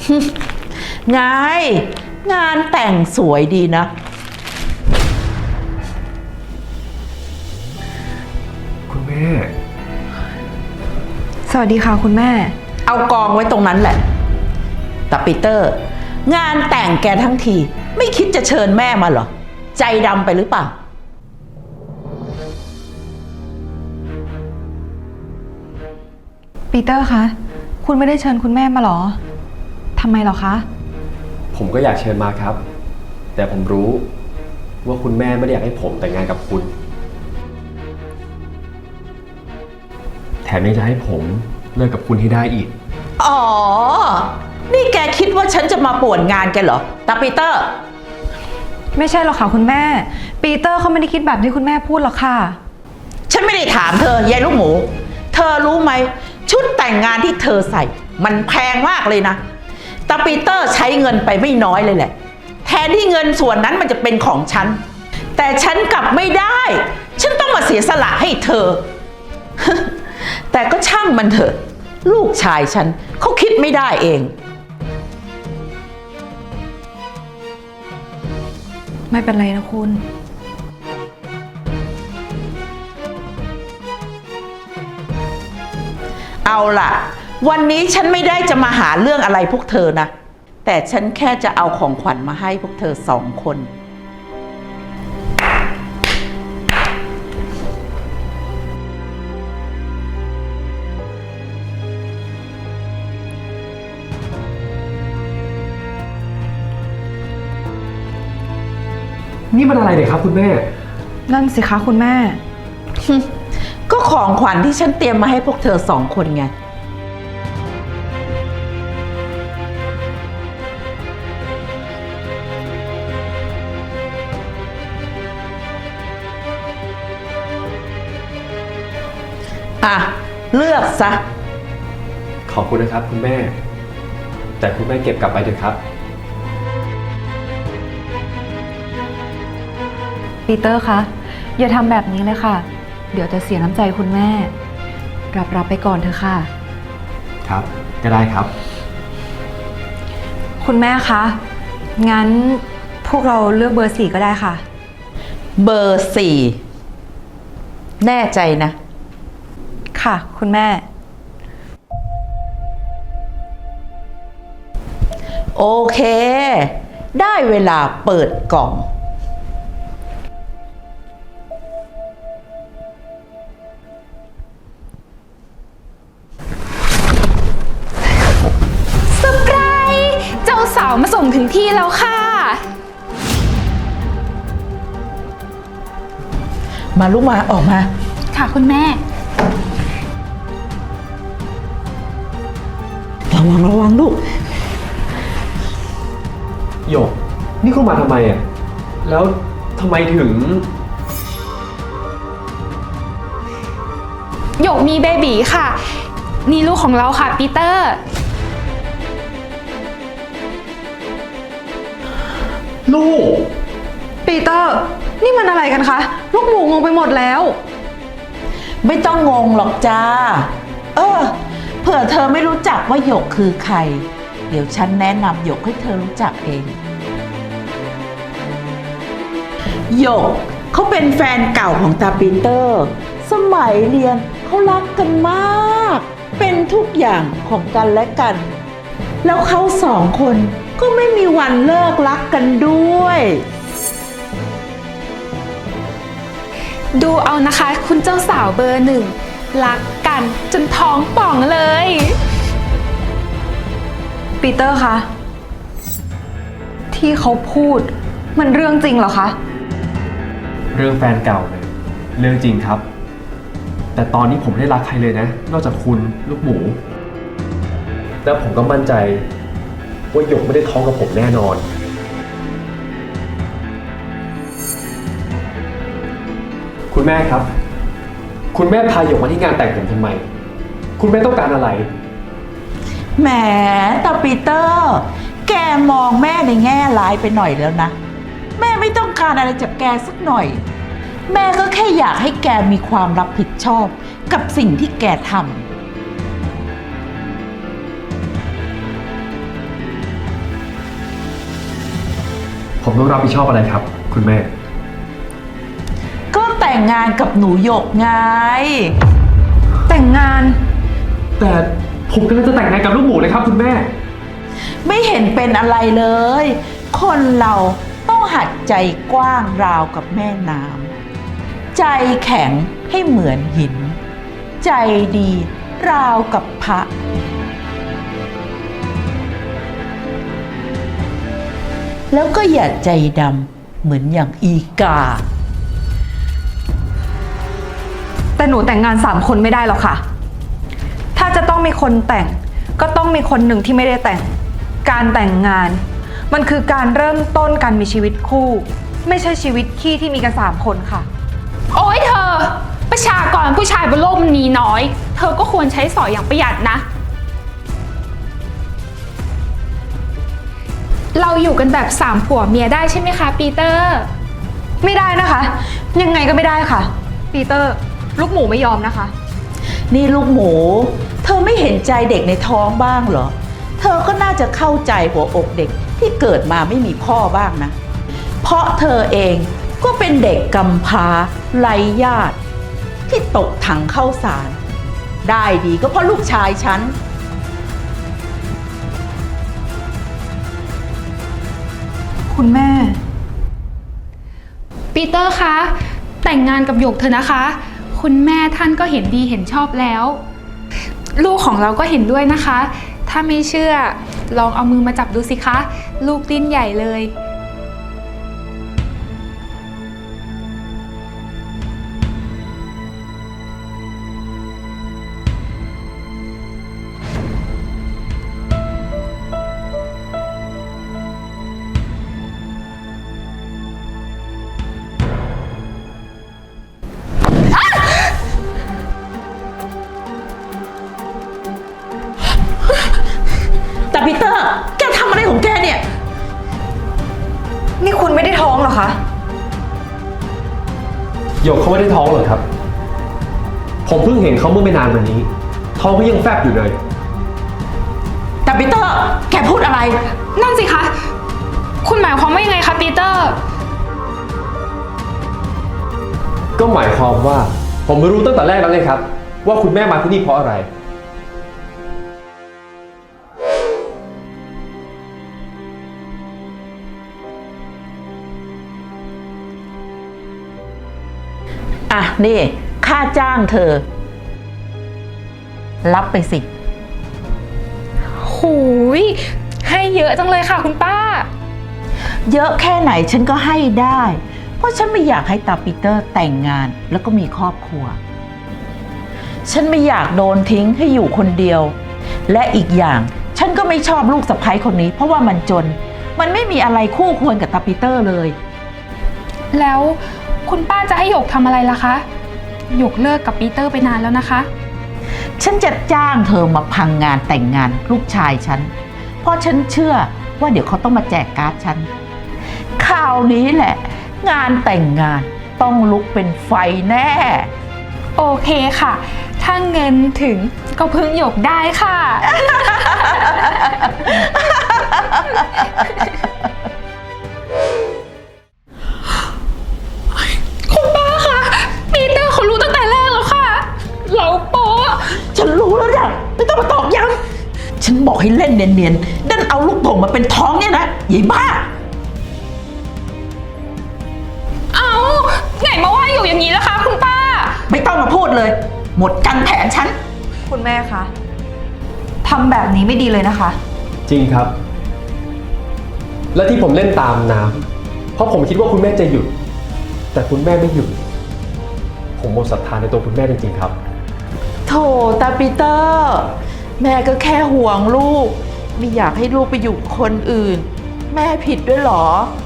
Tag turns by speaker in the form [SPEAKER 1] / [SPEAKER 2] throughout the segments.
[SPEAKER 1] ไงงานแต่งสวยดีนะ
[SPEAKER 2] คุณแม่
[SPEAKER 3] สวัสดีค่ะคุณแม่
[SPEAKER 1] เอากองไว้ตรงนั้นแหละแต่ปีเตอร์งานแต่งแกทั้งทีไม่คิดจะเชิญแม่มาเหรอใจดำไปหรือเปล่า
[SPEAKER 3] ปีเตอร์คะคุณไม่ได้เชิญคุณแม่มาหรอทำไมหรอคะ
[SPEAKER 2] ผมก็อยากเชิญมาครับแต่ผมรู้ว่าคุณแม่ไม่ได้อยากให้ผมแต่งงานกับคุณแถมยังจะให้ผมเลิกกับคุณให้ได้อีก
[SPEAKER 1] อ๋อนี่แกคิดว่าฉันจะมาป่วนงานแกเหรอตาปีเตอร์
[SPEAKER 3] ไม่ใช่หรอกค่ะคุณแม่ปีเตอร์เขาไม่ได้คิดแบบที่คุณแม่พูดหรอกค่ะ
[SPEAKER 1] ฉันไม่ได้ถามเธอยายลูกหมูเธอรู้ไหมชุดแต่งงานที่เธอใส่มันแพงมากเลยนะตาปีเตอร์ใช้เงินไปไม่น้อยเลยแหละแทนที่เงินส่วนนั้นมันจะเป็นของฉันแต่ฉันกลับไม่ได้ฉันต้องมาเสียสละให้เธอ แต่ก็ช่างมันเถอะลูกชายฉันเขาคิดไม่ได้เอง
[SPEAKER 3] ไม่เป็นไรนะคุณ
[SPEAKER 1] เอาล่ะวันนี้ฉันไม่ได้จะมาหาเรื่องอะไรพวกเธอนะแต่ฉันแค่จะเอาของขวัญมาให้พวกเธอ2 คน
[SPEAKER 2] นี่มันอะไรเนี่ยครับคุณแม่
[SPEAKER 3] นั่นสิคะคุณแม่
[SPEAKER 1] ก็ของขวัญที่ฉันเตรียมมาให้พวกเธอ2 คนไงอ่ะเลือกซะ
[SPEAKER 2] ขอบคุณนะครับคุณแม่แต่คุณแม่เก็บกลับไปเถอะครับ
[SPEAKER 3] ปีเตอร์คะอย่าทำแบบนี้เลยค่ะเดี๋ยวจะเสียน้ำใจคุณแม่รับไปก่อนเถอะค่ะ
[SPEAKER 2] ครับก็ได้ครับ
[SPEAKER 3] คุณแม่คะงั้นพวกเราเลือกเบอร์ 4ก็ได้ค่ะ
[SPEAKER 1] เบอร์ 4แน่ใจนะ
[SPEAKER 3] ค่ะคุณแม่
[SPEAKER 1] โอเคได้เวลาเปิดกล่อง
[SPEAKER 4] เซอร์ไพรส์เจ้าสาวมาส่งถึงที่แล้วค่ะ
[SPEAKER 1] มาลูกมาออกมา
[SPEAKER 4] ค่ะคุณแม่
[SPEAKER 1] ระวังลูก
[SPEAKER 2] โยกนี่คุณมาทำไมอ่ะแล้วทำไมถึง
[SPEAKER 4] หยกมีเบบีค่ะนี่ลูกของเราค่ะปีเตอร์
[SPEAKER 2] ลูก
[SPEAKER 3] ปีเตอร์นี่มันอะไรกันคะลูกหมูงงไปหมดแล้ว
[SPEAKER 1] ไม่ต้องงงหรอกจ้าเผื่อเธอไม่รู้จักว่าหยกคือใครเดี๋ยวฉันแนะนำหยกให้เธอรู้จักเองหยกเขาเป็นแฟนเก่าของตาปีเตอร์สมัยเรียนเขารักกันมากเป็นทุกอย่างของกันและกันแล้วเขา2 คนก็ไม่มีวันเลิกรักกันด้วย
[SPEAKER 4] ดูเอานะคะคุณเจ้าสาวเบอร์ 1รักกันจนท้องป่องเลย
[SPEAKER 3] ปีเตอร์คะที่เขาพูดมันเรื่องจริงเหรอคะ
[SPEAKER 2] เรื่องแฟนเก่าเนี่ยเรื่องจริงครับแต่ตอนนี้ผมไม่ได้รักใครเลยนะนอกจากคุณลูกหมูแล้วผมก็มั่นใจว่าหยกไม่ได้ท้องกับผมแน่นอนคุณแม่ครับคุณแม่พาหยกมาที่งานแต่งผมทำไมคุณแม่ต้องการอะไร
[SPEAKER 1] แหมตาปีเตอร์แกมองแม่ในแง่ร้ายไปหน่อยแล้วนะแม่ไม่ต้องการอะไรจากแกสักหน่อยแม่ก็แค่อยากให้แกมีความรับผิดชอบกับสิ่งที่แกท
[SPEAKER 2] ผมต้องรับผิดชอบอะไรครับ คุณแม่
[SPEAKER 1] ก็แต่งงานกับหนูหยกไง
[SPEAKER 3] แต่งงาน
[SPEAKER 2] แต่ผมกำลังจะแต่งงานกับลูกหมูเลยครับคุณแม่
[SPEAKER 1] ไม่เห็นเป็นอะไรเลย คนเราต้องหัดใจกว้างราวกับแม่น้ำใจแข็งให้เหมือนหิน ใจดีราวกับพระ แล้วก็อย่าใจดำเหมือนอย่างอีกา
[SPEAKER 3] แต่หนูแต่งงาน3 คนไม่ได้หรอกค่ะ ถ้าจะต้องมีคนแต่ง ก็ต้องมีคนหนึ่งที่ไม่ได้แต่ง การแต่งงาน มันคือการเริ่มต้นการมีชีวิตคู่ ไม่ใช่ชีวิตขี้ที่มีกัน3 คนค่ะ
[SPEAKER 4] โอ๊ยเธอ ประชากรผู้ชายบนโลกมันมีน้อย เธอก็ควรใช้สอยอย่างประหยัดนะ เราอยู่กันแบบ3 ผัวเมียได้ใช่ไหมคะปีเตอร์
[SPEAKER 3] ไม่ได้นะคะ ยังไงก็ไม่ได้ค่ะ ปีเตอร์ ลูกหมูไม่ยอมนะคะ
[SPEAKER 1] นี่ลูกหมู เธอไม่เห็นใจเด็กในท้องบ้างเหรอ เธอก็น่าจะเข้าใจหัวอกเด็กที่เกิดมาไม่มีพ่อบ้างนะ เพราะเธอเองก็เป็นเด็กกำพร้าไร้ญาติ ที่ตกถังเข้าสาร ได้ดีก็เพราะลูกชายฉัน
[SPEAKER 3] คุณแม่
[SPEAKER 4] ปีเตอร์คะ แต่งงานกับหยกเธอะนะคะ คุณแม่ท่านก็เห็นดีเห็นชอบแล้ว ลูกของเราก็เห็นด้วยนะคะ ถ้าไม่เชื่อลองเอามือมาจับดูสิคะ ลูกดิ้นใหญ่เลย
[SPEAKER 1] แต่ปีเตอร์ แกทำอะไรของแกเนี่ย
[SPEAKER 3] นี่คุณไม่ได้ท้องเหรอคะ
[SPEAKER 2] หยกเขาไม่ได้ท้องหรอกครับ ผมเพิ่งเห็นเขาเมื่อไม่นานมานี้ ท้องก็ยังแฟบอยู่เลย
[SPEAKER 1] แต่ปีเตอร์ แกพูดอะไร
[SPEAKER 4] นั่นสิคะ คุณหมายความว่ายังไงคะปีเตอร์
[SPEAKER 2] ก็หมายความว่า ผมรู้ตั้งแต่แรกแล้วไงครับ ว่าคุณแม่มาที่นี่เพราะอะไร
[SPEAKER 1] อ่ะ นี่ ค่าจ้างเธอ รับไปสิ
[SPEAKER 4] หูย ให้เยอะจังเลยค่ะคุณป้า
[SPEAKER 1] เยอะแค่ไหนฉันก็ให้ได้ เพราะฉันไม่อยากให้ตาปีเตอร์แต่งงานแล้วก็มีครอบครัว ฉันไม่อยากโดนทิ้งให้อยู่คนเดียว และอีกอย่างฉันก็ไม่ชอบลูกสะใภ้คนนี้ เพราะว่ามันจน มันไม่มีอะไรคู่ควรกับตาปีเตอร์เลย
[SPEAKER 4] แล้วคุณป้าจะให้หยกทำอะไรล่ะคะหยกเลิกกับปีเตอร์ไปนานแล้วนะคะ
[SPEAKER 1] ฉันจะจ้างเธอมาพังงานแต่งงานลูกชายฉัน เพราะฉันเชื่อว่าเดี๋ยวเขาต้องมาแจกการ์ดฉัน คราวนี้แหละ งานแต่งงานต้องลุกเป็นไฟแน่
[SPEAKER 4] โอเคค่ะ ถ้าเงินถึงก็พึ่งหยกได้ค่ะ คุณป้าคะปีเตอร์เขารู้ตั้งแต่แรกแล้วค่ะ เราโป๊ะ
[SPEAKER 1] ฉันรู้แล้วนะไม่ต้องมาตอกย้ำฉันบอกให้เล่นเนียนๆดันเอาลูกโป่งมาเป็นท้องเนี่ยนะยายบ้า
[SPEAKER 4] เอาไหนมาว่าอยู่อย่างนี้ล่ะคะคุณป้า
[SPEAKER 1] ไม่ต้องมาพูดเลย หมดกันแผนฉัน
[SPEAKER 3] คุณแม่คะทำแบบนี้ไม่ดีเลยนะคะ
[SPEAKER 2] จริงครับ และที่ผมเล่นตามน้ำเพราะผมคิดว่าคุณแม่จะหยุด แต่คุณแม่ไม่หยุด ผมหมดศรัทธาในตัวคุณแม่จริงๆครับ
[SPEAKER 1] โถตาปีเตอร์ แม่ก็แค่ห่วงลูก ไม่อยากให้ลูกไปอยู่กับคนอื่น แม่ผิดด้วยเหรอ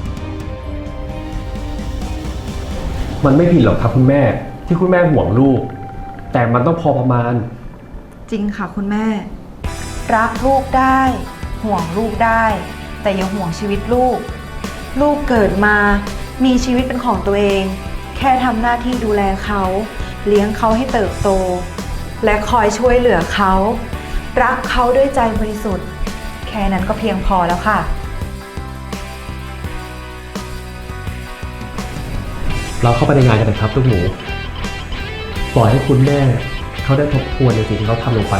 [SPEAKER 2] มันไม่ผิดหรอกครับคุณแม่ที่คุณแม่ห่วงลูก แต่มันต้องพอประมาณ
[SPEAKER 3] จริงค่ะคุณแม่ รักลูกได้ ห่วงลูกได้ แต่อย่าห่วงชีวิตลูก ลูกเกิดมามีชีวิตเป็นของตัวเอง แค่ทำหน้าที่ดูแลเขา เลี้ยงเขาให้เติบโต และคอยช่วยเหลือเขา รักเขาด้วยใจบริสุทธิ์ แค่นั้นก็เพียงพอแล้วค่ะ
[SPEAKER 2] เราเข้าไปในงานกันเลยครับลูกหมูปล่อยให้คุณแม่เขาได้ทบทวนในสิ่งที่เขาทำลงไป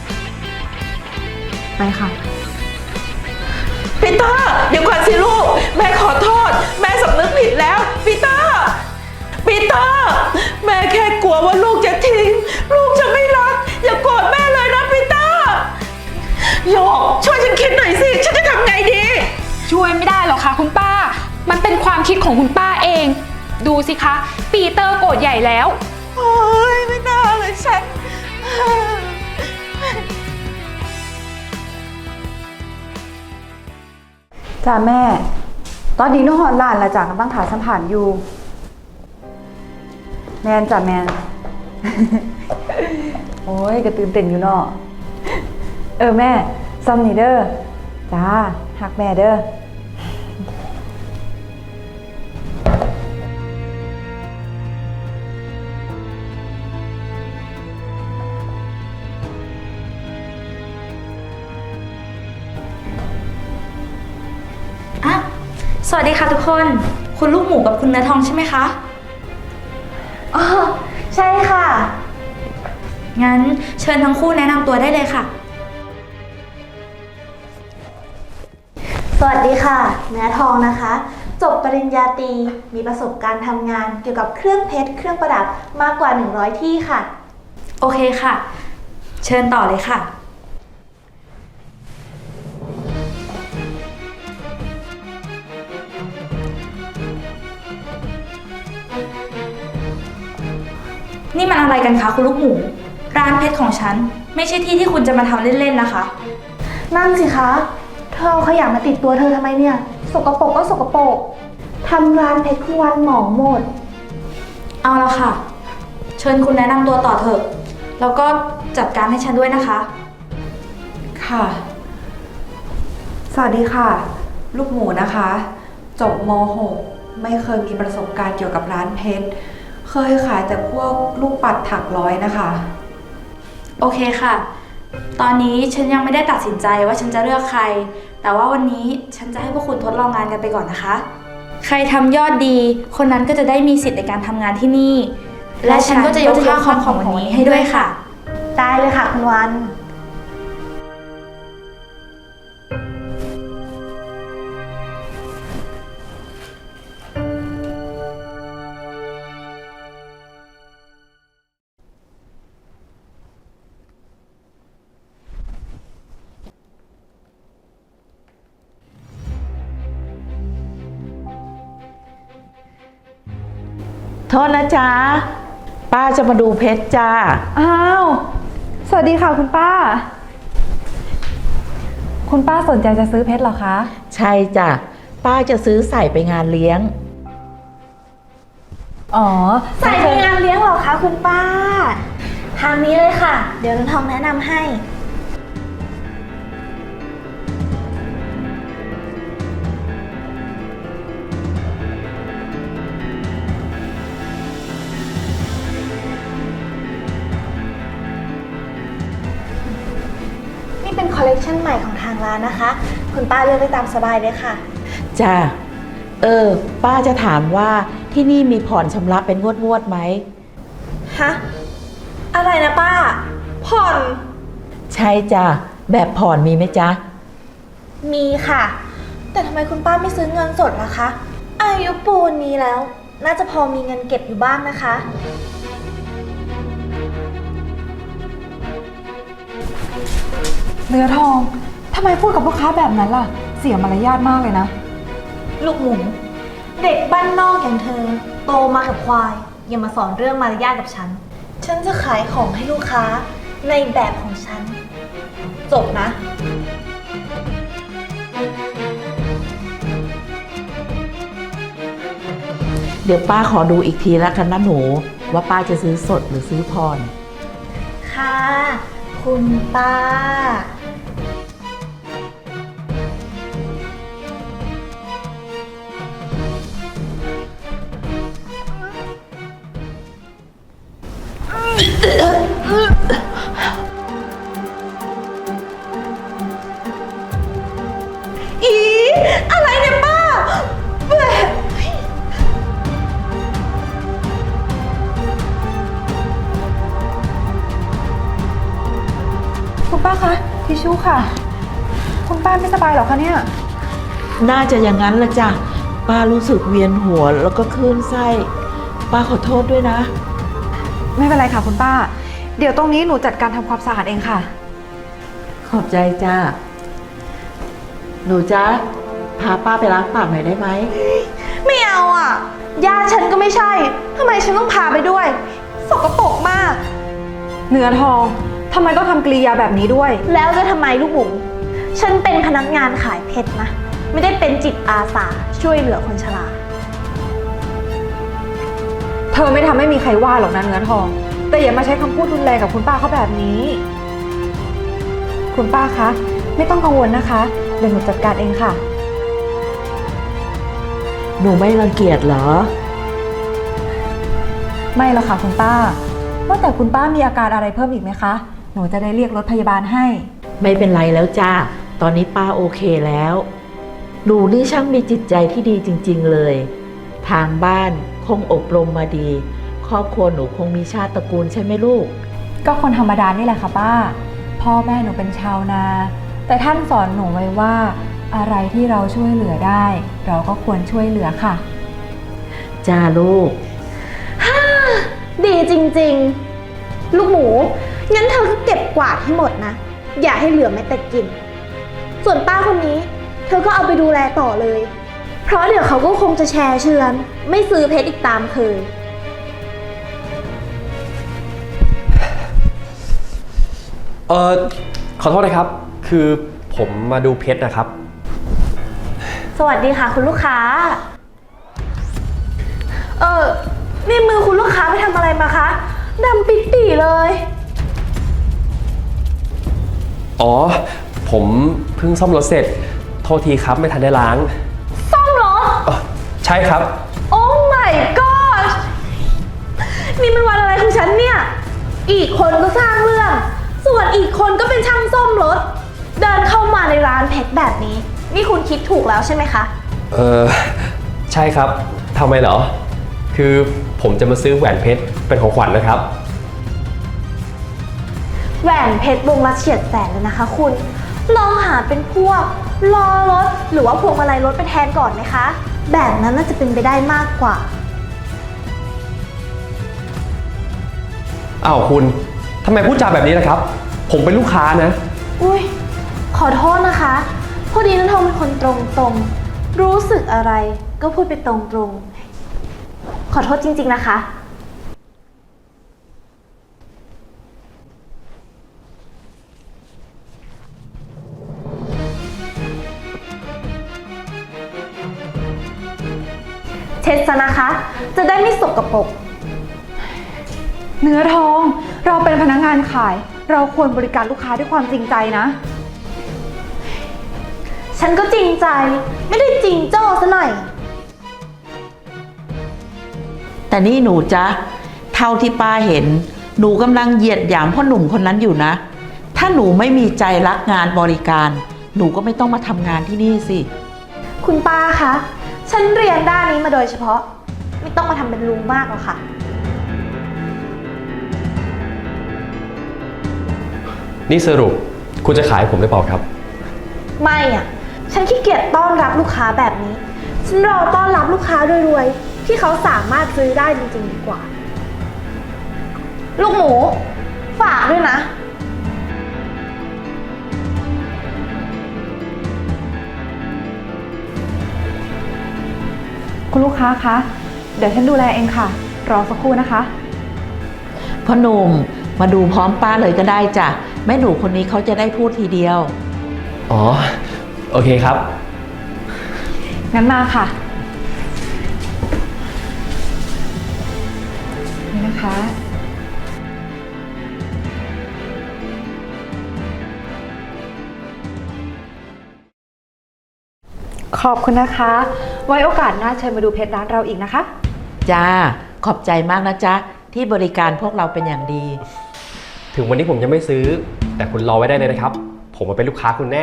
[SPEAKER 3] ไปค่ะ
[SPEAKER 1] ปีเตอร์เดี๋ยวก่อนสิลูก แม่ขอโทษ แม่สำนึกผิดแล้วปีเตอร์ปีเตอร์แม่แค่กลัวว่าลูกจะทิ้ง ลูกจะไม่รัก อย่าโกรธแม่เลยนะปีเตอร์หยกช่วยฉันคิดหน่อยสิ ฉันจะทำไงดี
[SPEAKER 4] ช่วยไม่ได้หรอกค่ะคุณป้า มันเป็นความคิดของคุณป้าเอง ดูสิคะ ปีเตอร์โกรธใหญ่แล้ว
[SPEAKER 1] โอ้ยไม่น่าเลยฉัน
[SPEAKER 3] จ้าแม่ ตอนนี้น้องหอนหลานละจากกำลังถ่ายสัมผัสอยู่ แมนจ้ะแมน โอ้ยกระตื่นเต้นอยู่เนาะแม่ซัมนี่เด้อจ้าหักแม่เด้อ
[SPEAKER 5] อ่ะสวัสดีค่ะทุกคน คุณลูกหมูกับคุณเนื้อทองใช่ไหมคะ อ๋อ ใช่ค่ะ งั้นเชิญทั้งคู่แนะนำตัวได้เลยค่ะ
[SPEAKER 6] สวัสดีค่ะ เนื้อทองนะคะ จบปริญญาตรีมีประสบการณ์ทำงานเกี่ยวกับเครื่องเพชรเครื่องประดับมากกว่า 100 ที่ค่ะ
[SPEAKER 5] โอเคค่ะ เชิญต่อเลยค่ะ นี่มันอะไรกันคะคุณลูกหมู ร้านเพชรของฉัน ไม่ใช่ที่ที่คุณจะมาทำเล่นๆนะคะ
[SPEAKER 6] นั่นสิคะ เธอเอาขยะมาติดตัวเธอทำไมเนี่ย สกปรกก็สกปรกทำร้านเพชรทุกวันหมองหมด
[SPEAKER 5] เอาละค่ะ เชิญคุณแนะนำตัวต่อเถอะ แล้วก็จัดการให้ฉันด้วยนะคะ
[SPEAKER 3] ค่ะ สวัสดีค่ะ ลูกหมูนะคะ จบม .6 ไม่เคยมีประสบการณ์เกี่ยวกับร้านเพชร เคยขายแต่พวกลูกปัดถักร้อยนะคะ
[SPEAKER 5] โอเคค่ะ ตอนนี้ฉันยังไม่ได้ตัดสินใจว่าฉันจะเลือกใคร แต่ว่าวันนี้ฉันจะให้พวกคุณทดลองงานกันไปก่อนนะคะ ใครทำยอดดี คนนั้นก็จะได้มีสิทธิ์ในการทำงานที่นี่ และฉันก็จะยกค่าคอมของวันนี้ให้ด้วยค่ะ
[SPEAKER 6] ได้เลยค่ะคุณวัน
[SPEAKER 1] โทษนะจ๊ะ ป้าจะมาดูเพชรจ้า
[SPEAKER 3] อ้าว สวัสดีค่ะคุณป้า คุณป้าสนใจจะซื้อเพชรเหรอคะ
[SPEAKER 1] ใช่จ้ะ ป้าจะซื้อใส่ไปงานเลี้ยง
[SPEAKER 3] อ๋อ
[SPEAKER 6] ใส่ในงานเลี้ยงเหรอคะคุณป้า ทางนี้เลยค่ะ เดี๋ยวน้องทองแนะนำให้ นี่เป็นคอลเลกชันใหม่ของทางร้านนะคะ คุณป้าเลือกได้ตามสบายเลยค่ะ
[SPEAKER 1] จ้าป้าจะถามว่าที่นี่มีผ่อนชำระเป็นงวดไหม
[SPEAKER 6] ฮะ อะไรนะป้า ผ่อน
[SPEAKER 1] ใช่จ้ะ แบบผ่อนมีไหมจ๊ะ
[SPEAKER 6] มีค่ะ แต่ทำไมคุณป้าไม่ซื้อเงินสดล่ะคะ อายุปูนนี้แล้ว น่าจะพอมีเงินเก็บอยู่บ้างนะคะ
[SPEAKER 3] เนื้อทอง ทำไมพูดกับลูกค้าแบบนั้นล่ะ เสียมารยาทมากเลยนะ
[SPEAKER 6] ลูกหมู เด็กบ้านนอกอย่างเธอ โตมากับควาย อย่ามาสอนเรื่องมารยาทกับฉัน ฉันจะขายของให้ลูกค้าในแบบของฉัน จบนะ
[SPEAKER 1] เดี๋ยวป้าขอดูอีกทีแล้วกันนะหนู ว่าป้าจะซื้อสดหรือซื้อผ่อน
[SPEAKER 6] ค่ะ คุณป้าอีอะไรเนี่ยป้าแบบ
[SPEAKER 3] ทิชชู่ค่ะ คุณป้าไม่สบายเหรอคะเนี่ย
[SPEAKER 1] น่าจะอย่างนั้นละจ้ะป้ารู้สึกเวียนหัวแล้วก็คลื่นไส้ป้าขอโทษด้วยนะ
[SPEAKER 3] ไม่เป็นไรค่ะคุณป้า เดี๋ยวตรงนี้หนูจัดการทำความสะอาดเองค่ะ
[SPEAKER 1] ขอบใจจ้าหนูจ๊ะพาป้าไปล้างปากหน่อยได้ไหม
[SPEAKER 6] ไม่เอาอ่ะญาติฉันก็ไม่ใช่ทำไมฉันต้องพาไปด้วย สกปรกมาก
[SPEAKER 3] เนื้อทองทำไมต้องทำกริยาแบบนี้ด้วย
[SPEAKER 6] แล้วจะทำไมลูกหมูฉันเป็นพนักงานขายเพชรนะ ไม่ได้เป็นจิตอาสาช่วยเหลือคนชรา
[SPEAKER 3] เธอไม่ทำให้มีใครว่าหรอกนะเนื้อทอง แต่อย่ามาใช้คำพูดรุนแรงกับคุณป้าเขาแบบนี้ คุณป้าคะ ไม่ต้องกังวลนะคะ เดี๋ยวหนูจัดการเองค่ะ
[SPEAKER 1] หนูไม่รังเกียจเหรอ
[SPEAKER 3] ไม่หรอกค่ะคุณป้า ว่าแต่คุณป้ามีอาการอะไรเพิ่มอีกไหมคะ หนูจะได้เรียกรถพยาบาลให้
[SPEAKER 1] ไม่เป็นไรแล้วจ้าตอนนี้ป้าโอเคแล้ว หนูนี่ช่างมีจิตใจที่ดีจริงๆเลย ทางบ้านคงอบรมมาดี ครอบครัวหนูคงมีชาติตระกูลใช่ไหมลูก
[SPEAKER 3] ก็คนธรรมดานี่แหละค่ะป้า พ่อแม่หนูเป็นชาวนา แต่ท่านสอนหนูไว้ว่า อะไรที่เราช่วยเหลือได้ เราก็ควรช่วยเหลือค่ะ
[SPEAKER 1] จ้าลูก
[SPEAKER 6] ดีจริงๆ ลูกหมู งั้นเธอก็เก็บกวาดให้หมดนะ อย่าให้เหลือแม้แต่กลิ่น ส่วนป้าคนนี้ เธอก็เอาไปดูแลต่อเลย เพราะเดี๋ยวเขาก็คงจะแชร์เชือน ไม่ซื้อเพชรอีกตามเคย
[SPEAKER 2] ขอโทษนะครับ คือผมมาดูเพชรนะครับ
[SPEAKER 6] สวัสดีค่ะคุณลูกค้า นี่มือคุณลูกค้าไปทำอะไรมาคะดำปิดปี่เลย
[SPEAKER 2] อ๋อ ผมเพิ่งซ่อมรถเสร็จ โทษทีครับไม่ทันได้ล้าง
[SPEAKER 6] ซ่อมรถ
[SPEAKER 2] ใช่ครับ
[SPEAKER 6] โอ้ my god นี่มันวันอะไรของฉันเนี่ย อีกคนก็สร้างเรื่อง ส่วนอีกคนก็เป็นช่างซ่อมรถ เดินเข้ามาในร้านเพชรแบบนี้ นี่คุณคิดถูกแล้วใช่ไหมคะ
[SPEAKER 2] ใช่ครับทำไมเหรอ คือผมจะมาซื้อแหวนเพชรเป็นของขวัญนะครับ
[SPEAKER 6] แหวนเพชรวงละเฉียดแสนเลยนะคะคุณ ลองหาเป็นพวกล้อรถหรือว่าพวงมาลัยรถไปแทนก่อนไหมคะ แบบนั้นน่าจะเป็นไปได้มากกว่า
[SPEAKER 2] อ้าวคุณทำไมพูดจาแบบนี้นะครับ ผมเป็นลูกค้านะ
[SPEAKER 6] อุ้ยขอโทษนะคะ พอดีนันทองเป็นคนตรงๆ รู้สึกอะไรก็พูดไปตรงๆ ขอโทษจริงๆนะคะ เช็ดซะนะคะ จะได้ไม่สกปรก
[SPEAKER 3] เนื้อทอง เราเป็นพนักงานขาย เราควรบริการลูกค้าด้วยความจริงใจนะ
[SPEAKER 6] ฉันก็จริงใจ ไม่ได้จริงโจ้ซะหน่อย
[SPEAKER 1] แต่นี่หนูจ๊ะเท่าที่ป้าเห็น หนูกำลังเหยียดหยามพ่อหนุ่มคนนั้นอยู่นะ ถ้าหนูไม่มีใจรักงานบริการ หนูก็ไม่ต้องมาทำงานที่นี่สิ
[SPEAKER 6] คุณป้าคะ ฉันเรียนด้านนี้มาโดยเฉพาะ ไม่ต้องมาทำเป็นลุงมากหรอกค่ะ
[SPEAKER 2] นี่สรุปคุณจะขายผมหรือเปล่าครับ
[SPEAKER 6] ไม่อ่ะ ฉันขี้เกียจต้อนรับลูกค้าแบบนี้ ฉันรอต้อนรับลูกค้ารวยๆ ที่เขาสามารถซื้อได้จริงๆดีกว่า ลูกหมู ฝากด้วยนะ
[SPEAKER 3] คุณลูกค้าคะ เดี๋ยวฉันดูแลเองค่ะ รอสักครู่นะคะ
[SPEAKER 1] พ่อหนุ่มมาดูพร้อมป้าเลยก็ได้จ้ะแม่หนูคนนี้เขาจะได้พูดทีเดียว
[SPEAKER 2] อ๋อ โอเคครับ
[SPEAKER 3] งั้นมาค่ะ นี่นะคะ ขอบคุณนะคะ ไว้โอกาสหน้าเชิญมาดูเพชรร้านเราอีกนะคะ
[SPEAKER 1] จ้า ขอบใจมากนะจ๊ะ ที่บริการพวกเราเป็นอย่างดี
[SPEAKER 2] ถึงวันนี้ผมจะไม่ซื้อ แต่คุณรอไว้ได้เลยนะครับ ผมมาเป็นลูกค้าคุณแน่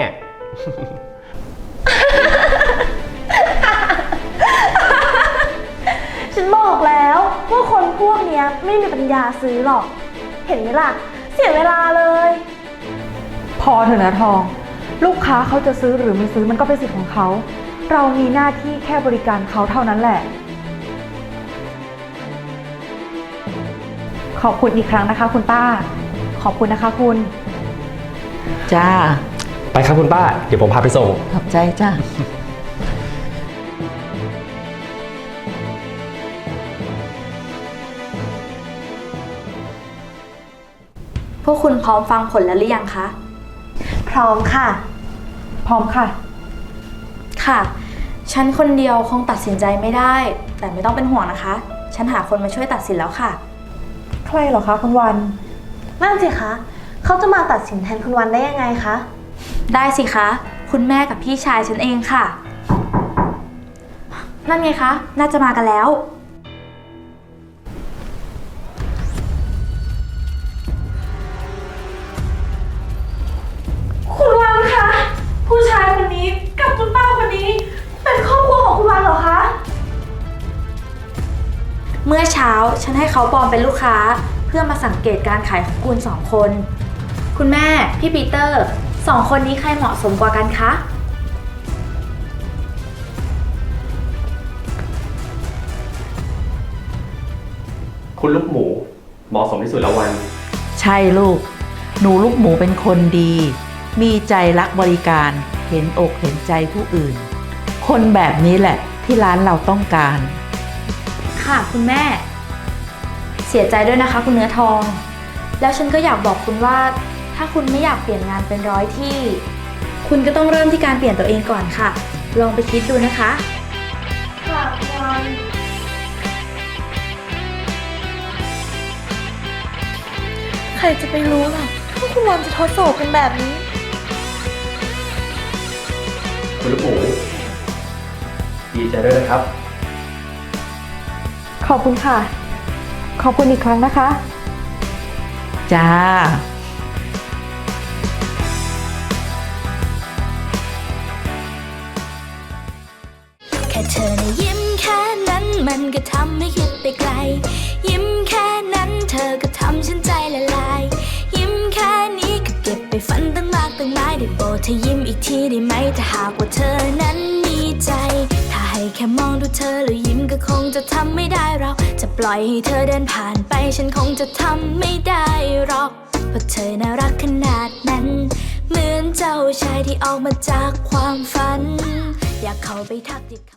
[SPEAKER 6] ฉันบอกแล้วว่าคนพวกเนี้ยไม่มีปัญญาซื้อหรอก เห็นไหมล่ะ เสียเวลาเลย
[SPEAKER 3] พพอเถอะนะทอง ลูกค้าเขาจะซื้อหรือไม่ซื้อมันก็เป็นสิทธิ์ของเขา เรามีหน้าที่แค่บริการเขาเท่านั้นแหละ ขอบคุณอีกครั้งนะคะ คุณป้า ขอบคุณนะคะคุณ
[SPEAKER 1] จ้า
[SPEAKER 2] ไปครับคุณป้า เดี๋ยวผมพาไปส่ง
[SPEAKER 1] ขอบใจจ้า
[SPEAKER 5] พวกคุณพร้อมฟังผลแล้วหรือยังคะ
[SPEAKER 6] พร้อมค่ะ
[SPEAKER 3] พร้อมค่ะ
[SPEAKER 5] ค่ะ ฉันคนเดียวคงตัดสินใจไม่ได้ แต่ไม่ต้องเป็นห่วงนะคะ ฉันหาคนมาช่วยตัดสินแล้วค่ะ
[SPEAKER 3] ใครเหรอคะคุณวัน
[SPEAKER 6] นั่นสิคะ เขาจะมาตัดสินแทนคุณวันได้ยังไงคะ
[SPEAKER 5] ได้สิคะ คุณแม่กับพี่ชายฉันเองค่ะ นั่นไงคะ น่าจะมากันแล้ว
[SPEAKER 6] คุณวันคะ ผู้ชายคนนี้กับคุณป้าคนนี้ เป็นครอบครัวของคุณวันเหรอคะ
[SPEAKER 5] เมื่อเช้าฉันให้เขาปลอมเป็นลูกค้า เพื่อมาสังเกตการขายของคุณ2 คน คุณแม่ พี่ปีเตอร์2 คนนี้ใครเหมาะสมกว่ากันคะ
[SPEAKER 2] คุณลูกหมูเหมาะสมที่สุดแล้ววัน
[SPEAKER 1] ใช่ลูก หนูลูกหมูเป็นคนดี มีใจรักบริการ เห็นอกเห็นใจผู้อื่น คนแบบนี้แหละที่ร้านเราต้องการ
[SPEAKER 5] ค่ะคุณแม่ เสียใจด้วยนะคะคุณเนื้อทอง แล้วฉันก็อยากบอกคุณว่า ถ้าคุณไม่อยากเปลี่ยนงานเป็น100 ที่ คุณก็ต้องเริ่มที่การเปลี่ยนตัวเองก่อนค่ะ ลองไปคิดดูนะคะ
[SPEAKER 6] ค่ะคุณวันใครจะไปรู้ล่ะว่าคุณวันจะทดสอบกันแบบนี้
[SPEAKER 2] คุณลูกหมูดีใจด้วยนะครับ
[SPEAKER 3] ขอบคุณค่ะ ขอบคุณอีกครั้งนะคะ
[SPEAKER 1] จ้า
[SPEAKER 7] แค่เธอนะยิ้มแค่นั้นมันก็ทำให้คิดไปไกล ยิ้มแค่นั้นเธอก็ทำฉันใจละลาย ยิ้มแค่นี้ก็เก็บไปฝันตั้งมากตั้งหลายได้โปรดเธอยิ้มอีกทีได้ไหมถ้าหากว่าเธอนั้นมีใจ ถ้าให้แค่มองดูเธอแล้วยิ้มก็คงจะทำไม่ได้เราจะปล่อยให้เธอเดินผ่านไปฉันคงจะทำไม่ได้หรอกเพราะเธอน่ารักขนาดนั้น เหมือนเจ้าชายที่ออกมาจากความฝัน อยากเข้าไปทักทิ